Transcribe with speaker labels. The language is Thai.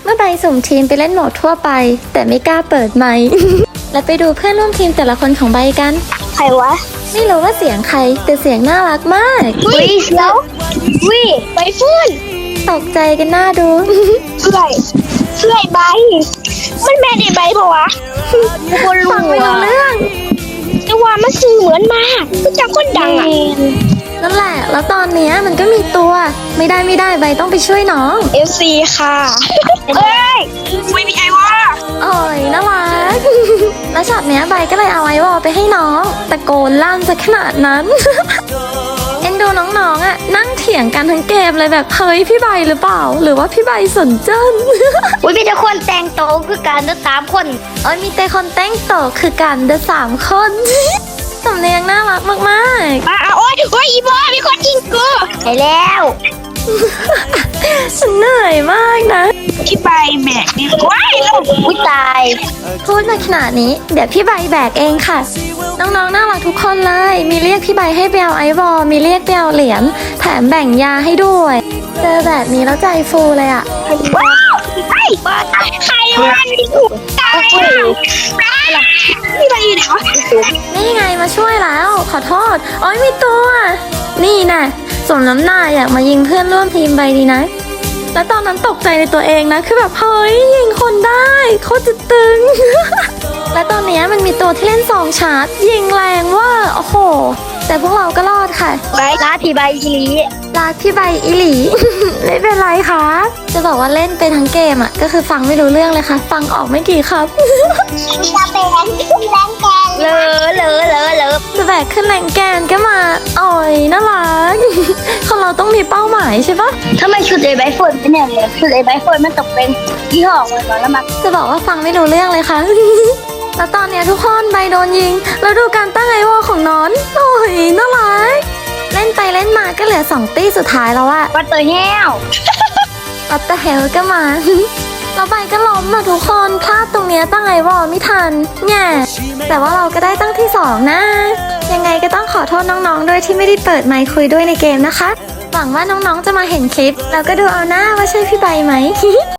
Speaker 1: มื่อใบสุ่มทีมไปเล่นโหมดทั่วไปแต่ไม่กล้าเปิดไมค์ และไปดูเพื่อนร่วมทีมแต่ละคนของใบกัน
Speaker 2: ใครวะ
Speaker 1: ไม่รู้ว่าเสียงใครแต่เสียงน่ารักมาก
Speaker 2: วิแล้ววิใบฟื้น
Speaker 1: ตกใจกันหน้าดู
Speaker 2: เสื่อยใบมันแม่ได้ใบปะวะคนรู้
Speaker 1: ฟังไม่รู้เรื่อง
Speaker 2: แต่ว่ามันสื่อเหมือนมากก็จะคนดังอ่ะ
Speaker 1: นั่นแหละแล้วตอนเนี้ยมันก็มีตัวไม่ได้ใบต้องไปช่วยน้อง
Speaker 2: FC ค่ะเอ้ยไม่มีไอวะ
Speaker 1: โอ้ยน่ารัก แล้วช็อตเนี้ยใบก็เลยเอาไอวอลไปให้น้องตะโกนลั่นซะขนาดนั้น เอ็นดูน้องๆอ่ะนั่งเถียงกันทั้งเกมเลยแบบเฮ้ยพี่ใบหรือเปล่า หรือว่าพี่ใบสนเจิ้น
Speaker 2: อุ้ยมีแต่คนแต่งโตวคือการเดินตามคน
Speaker 1: โอ้ยมีแต่คนแต่งโตคือกันเดอะ3 คน สำเนียงน่ารักมาก
Speaker 2: โอ้ยอีบอมีคนยิงกูไปแล้ว
Speaker 1: ๆ ฉันเหนื่อยมากนะ
Speaker 2: ที่ใบแบกดีกว่าแล้วอุ้ยตาย
Speaker 1: พูดมาขนาดนี้เดี๋ยวพี่ใบแบกเองค่ะ น้องๆน่ารักทุกคนเลย มีเรียกพี่ใบให้ไปเอาไอวอลมีเรียกไปเอาเหรียญแถมแบ่งยาให้ด้วยเจอแบบนี้แล้วใจฟูเลยอะ
Speaker 2: ว้าวไอ้ใครวันที่ถูกตายพี่ใบอยู่ไหนวะ
Speaker 1: นี่ไงมาช่วยแล้วขอโทษโอ้ยมีตัว นี่น่ะสมน้ำหน้าอยากมายิงเพื่อนร่วมทีมใบดีนะ แล้วตอนนั้นตกใจในตัวเองนะคือแบบเฮ้ยยิงคนได้โคตรจะตึง และตอนเนี้ยมันมีตัวที่เล่น2 ชาร์จยิงแรงเว่าโอ้โหแต่พวกเราก็รอดค่ะ
Speaker 2: ใบร้าพี่ใบอีลี
Speaker 1: รักพี่ใบอีหลี ไม่เป็นไรค่ะจะบอกว่าเล่นไปทั้งเกมอ่ะก็คือฟังไม่รู้เรื่องเลยค่ะ ฟังออกไม่กี่ครับ
Speaker 2: มีตาเป็นขึ้นแรงแกนเลอ
Speaker 1: จะแบกขึ้นแรงแกนก็มาอ่อยน่ารัก คนเราต้องมีเป้าหมายใช่ปะ
Speaker 2: ทำไมชุดไอ้ใบฝนเป็นอย่างนี้ชุดไอ้ใบฝนมันตกเป็นยี่ห้อเหมือนกันแล้วมัน
Speaker 1: จะบอกว่าฟังไม่รู้เรื่องเลยค่ะ แล้วตอนเนี้ยทุกคนใบโดนยิง แล้วดูการตั้งไอวอลของน้อนโอ้ยน่ารัก เล่นไปเล่นมาก็เหลือ2 ตี้สุดท้ายแล้วอะ
Speaker 2: ปัตเตอร์แห้ว
Speaker 1: อัตเตอร์เฮลก็มา แล้วใบก็ล้มอะทุกคนพลาดตรงเนี้ยตั้งไอวอลไม่ทันแง่แต่ว่าเราก็ได้ตั้งที่ 2 นะ ยังไงก็ต้องขอโทษน้องๆด้วยที่ไม่ได้เปิดไมค์คุยด้วยในเกมนะคะ หวังว่าน้องๆจะมาเห็นคลิป แล้วก็ดูเอาหน้าว่าใช่พี่ใบไหม